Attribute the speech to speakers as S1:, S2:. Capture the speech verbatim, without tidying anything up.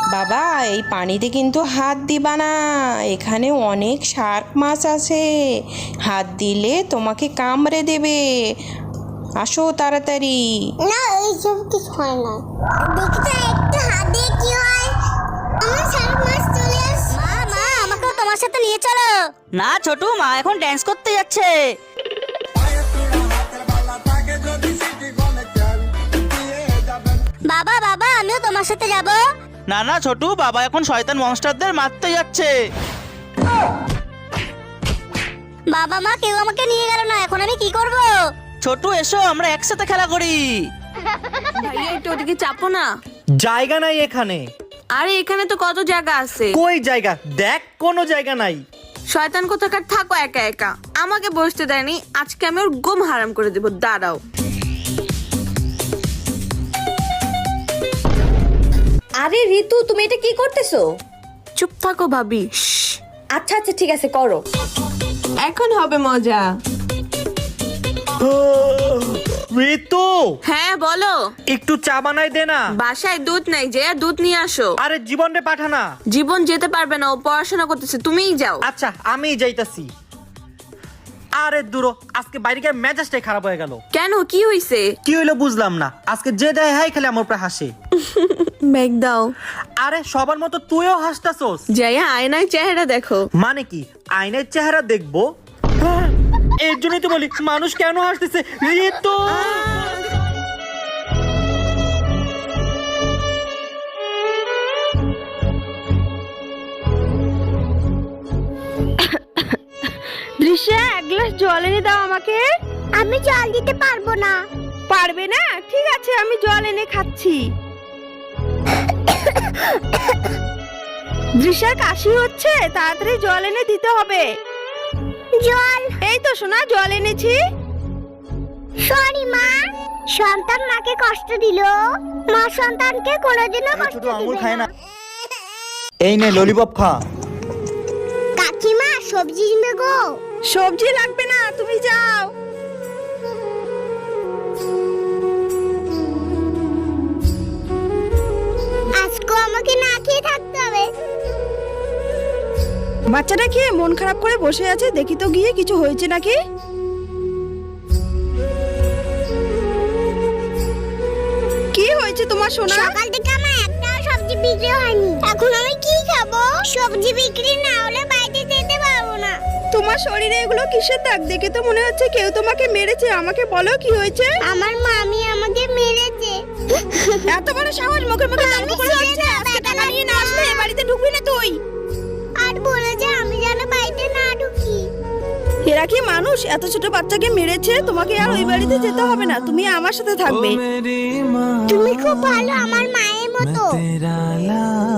S1: বাবা এই পানিতে কিন্তু হাত দিবা না, এখানে অনেক শার্ক মাছ আছে, হাত দিলে তোমাকে কামড়ে দেবে। আসো তাড়াতাড়ি।
S2: না এইসব কিছু হয় না, দেখি তো একটু হাত দিয়ে কি হয়। আমার শার্ক মাছ চলে আসছে। মা মা আমাকেও তোমার সাথে নিয়ে চলো।
S3: না ছোটু, মা এখন ড্যান্স করতে যাচ্ছে।
S2: বাবা বাবা আমিও তোমার সাথে যাব।
S3: না না ছোটু, বাবা এখন শয়তান মনস্টারদের মারতে যাচ্ছে।
S2: বাবা মা কেউ আমাকে নিয়ে গেল না, এখন আমি কি করব?
S3: ছোটু এসো, আমরা একসাথে খেলা করি।
S4: ভাইয়া একটু ওদিকে চাপো না।
S5: জায়গা নাই এখানে।
S4: আরে এখানে তো কত জায়গা আছে।
S5: কই জায়গা? দেখ কোনো জায়গা নাই।
S4: শয়তান কোথাকার, থাকো একা একা। আমাকে বসতে দেয়নি, আজকে আমি ওর গম হারাম করে দেব। দাঁড়াও।
S6: আরে ঋতু, তুমি এটা কি করতেছো?
S4: চুপ থাকো ভাবি।
S6: আচ্ছা আচ্ছা ঠিক আছে, করো।
S4: এখন হবে মজা।
S5: ঋতু,
S4: হ্যাঁ বলো।
S5: একটু চা বানাই দে না।
S4: বাসায় দুধ নাই, যে দুধ নিয়ে আসো।
S5: আরে জীবন রে পাঠা না।
S4: জীবন যেতে পারবে না, ও পড়াশোনা করতেছে, তুমিই যাও।
S5: আচ্ছা আমি যাইতাছি। আরে দূরো, আজকে বাইরে গিয়ে মেজাজটাই খারাপ হয়ে গেল।
S4: কেন, কি হইছে?
S5: কি হইলো বুঝলাম না। আজকে যে দেয় হাই খেলে আমার উপরে হাসে।
S4: ব্যাগ দাও।
S5: আরে সবার মতো তুইও হাসতাছস।
S4: যাইয়া আয়নায় চেহারা দেখো।
S5: মানে কি আয়নার চেহারা দেখবো? হ্যাঁ, এর জন্যই তো বলি মানুষ কেন হাসতেছে। ঋতু
S7: দৃশ্যা, এক গ্লাস জল এনে দাও আমাকে।
S2: আমি জল দিতে পারবো না।
S7: পারবে না? ঠিক আছে, আমি জল এনে খাচ্ছি। দৃশ্যা কাশি হচ্ছে, তাড়াতাড়ি জল এনে দিতে হবে।
S2: জল?
S7: এই তো সোনা, জল এনেছি।
S2: সরি মা, সন্তান মাকে কষ্ট দিল, মা সন্তানকে কোনোদিনও কষ্ট দিবে না।
S5: এই নে ললিপপ খা।
S2: কাকিমা সবজি নিবে গো।
S7: সবজি লাগবে না, তুমি যাও।
S2: আজকে আমাকে না খেয়ে থাকতে হবে।
S7: বাচ্চাটা খেয়ে মন খারাপ করে বসে আছে, দেখি তো গিয়ে কিছু হয়েছে নাকি। কি হয়েছে তোমার সোনা?
S2: সকাল থেকে আমার একটাও সবজি বিক্রি হয়নি, এখন আমি কি খাবো? সবজি বিক্রি না হলে বাইরে যেতে পারবো না।
S7: তোমার শরীরে এগুলো কিসের দাগ? দেখে তো মনে হচ্ছে কেউ তোমাকে মেরেছে। আমাকে বলো কি হয়েছে।
S2: আমার মামি আমাকে মেরেছে।
S7: এত বড় সাহস, মুখে মুখে তর্ক করে যাচ্ছে। আজকে টাকা নিয়ে না আসলে এ বাড়িতে ঢুকবি না তুই।
S2: আর বলেছে আমি যেন বাড়িতে না ঢুকি।
S7: এরা কি মানুষ? এত ছোট বাচ্চাকে মেরেছে। তোমাকে আর ওই বাড়িতে যেতে হবে না, তুমি আমার সাথে থাকবে।
S2: তুমি খুব ভালো, আমার মায়ের মতো।